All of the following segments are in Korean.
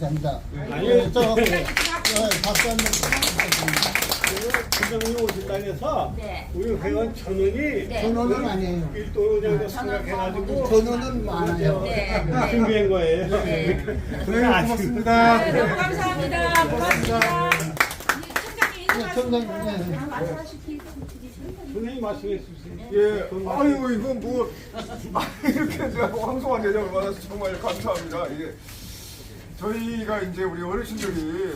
됩니다. 아니, 박수 한번 부장님 오신다 해서 네. 우리 회원 전원이 네. 전원은 아니에요. 일도로 내가 생각해가지고 전원은 많아요. 네. 네. 준비한 거예요. 고맙습니다. 네, 너무 감사합니다. 고맙습니다. 총장님 총장님, 네. 말씀하시기 선생님 말씀해 주세요. 예, 아유 이거 뭐 이렇게 제가 황송한 대접을 받아서 정말 감사합니다. 이게 저희가 이제 우리 어르신들이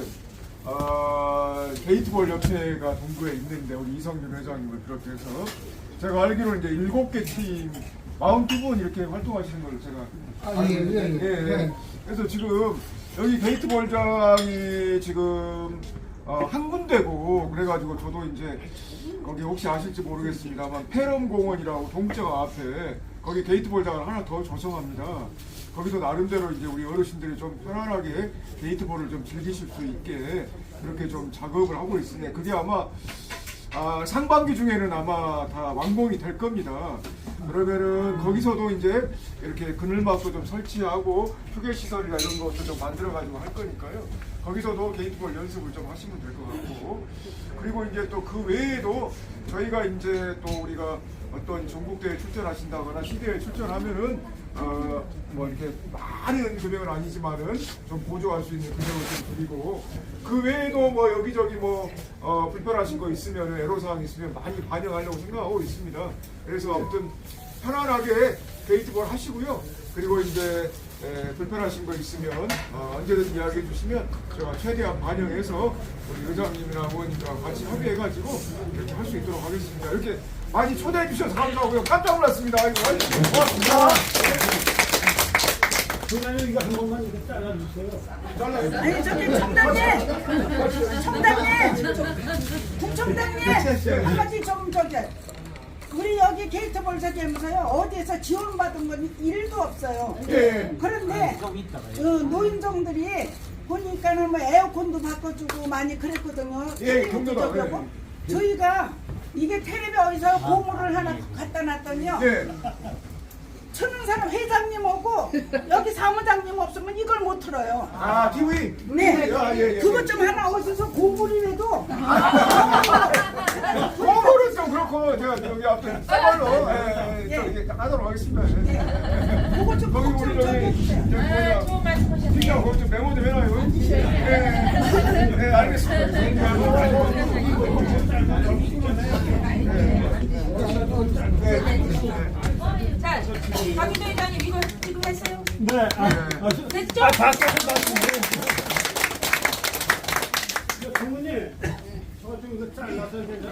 게이트볼 협회가 동구에 있는데 우리 이성균 회장님을 비롯해서 제가 알기로는 이제 7개 팀 42분 이렇게 활동하시는 걸 제가 아, 예. 예. 그래서 지금 여기 게이트볼장이 지금 한 군데고 그래가지고 저도 이제 거기 혹시 아실지 모르겠습니다만 페럼공원이라고 동구장 앞에 거기 게이트볼장을 하나 더 조성합니다. 거기서 나름대로 이제 우리 어르신들이 좀 편안하게 게이트볼을 좀 즐기실 수 있게 그렇게 좀 작업을 하고 있으니 그게 아마 상반기 중에는 아마 다 완공이 될 겁니다. 그러면은 거기서도 이제 이렇게 그늘막도 좀 설치하고 휴게 시설이나 이런 것도 좀 만들어 가지고 할 거니까요. 거기서도 게이트볼 연습을 좀 하시면 될 것 같고 그리고 이제 또 그 외에도 저희가 이제 또 우리가 어떤 전국대회 출전하신다거나 시대에 출전하면은 뭐 이렇게 많은 금액은 아니지만은 좀 보조할 수 있는 금액을 좀 드리고 그 외에도 뭐 여기저기 뭐 불편하신 거 있으면 애로사항 있으면 많이 반영하려고 생각하고 있습니다. 그래서 아무튼 편안하게 게이트볼 하시고요. 그리고 이제 불편하신 거 있으면 언제든지 이야기해 주시면 제가 최대한 반영해서 우리 의장님이랑 같이 협의해가지고 이렇게 할 수 있도록 하겠습니다. 이렇게 많이 초대해 주셔서 감사하고요. 깜짝 놀랐습니다. 아이고, 고맙습니다. 부장님 이거 한 번만 이렇게 잘라주세요. 아니 저기 총장님 한가지 좀 저기 우리 여기 게이트볼 저기 하면서요 어디에서 지원받은 건 1도 없어요. 예. 그런데 노인정들이 보니까는 뭐 에어컨도 바꿔주고 많이 그랬거든요. 예, 경로다. 저기 하고. 저희가 이게 텔레비 어디서 고무를 하나 갖다 놨더니요. 예. 천은사람 회장님 오고 여기 사무장님 없으면 이걸 못 틀어요. TV? 네. 예. 그것 좀 하나 어디서 고무리라도. 그거는 좀 그렇고 제가 여기 앞에 쌀로 저기 하도록 하겠습니다. 그거 좀 거기 우리 저기 뭐냐 좋은 말씀하셨네요. 진짜 거기 좀 메모 좀 해놔요. 예, 알겠습니다. 자, 박유도 회장님 이거 지금 했어요? 네. 됐죠? 박수 좀 주세요. 부모님, 저 좀 이거 잘라서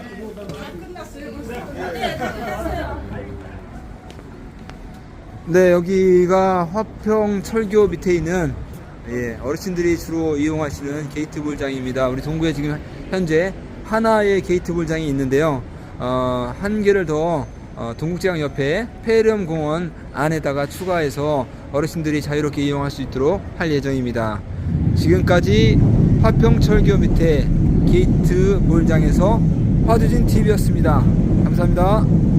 네, 됐어요. 네, 여기가 화평 철교 밑에 있는 어르신들이 주로 이용하시는 게이트볼장입니다. 우리 동구에 지금 현재 하나의 게이트볼장이 있는데요. 한 개를 더 동국제강 옆에 폐렴공원 안에다가 추가해서 어르신들이 자유롭게 이용할 수 있도록 할 예정입니다. 지금까지 화평 철교 밑에 게이트볼장에서 화두진 TV였습니다. 감사합니다.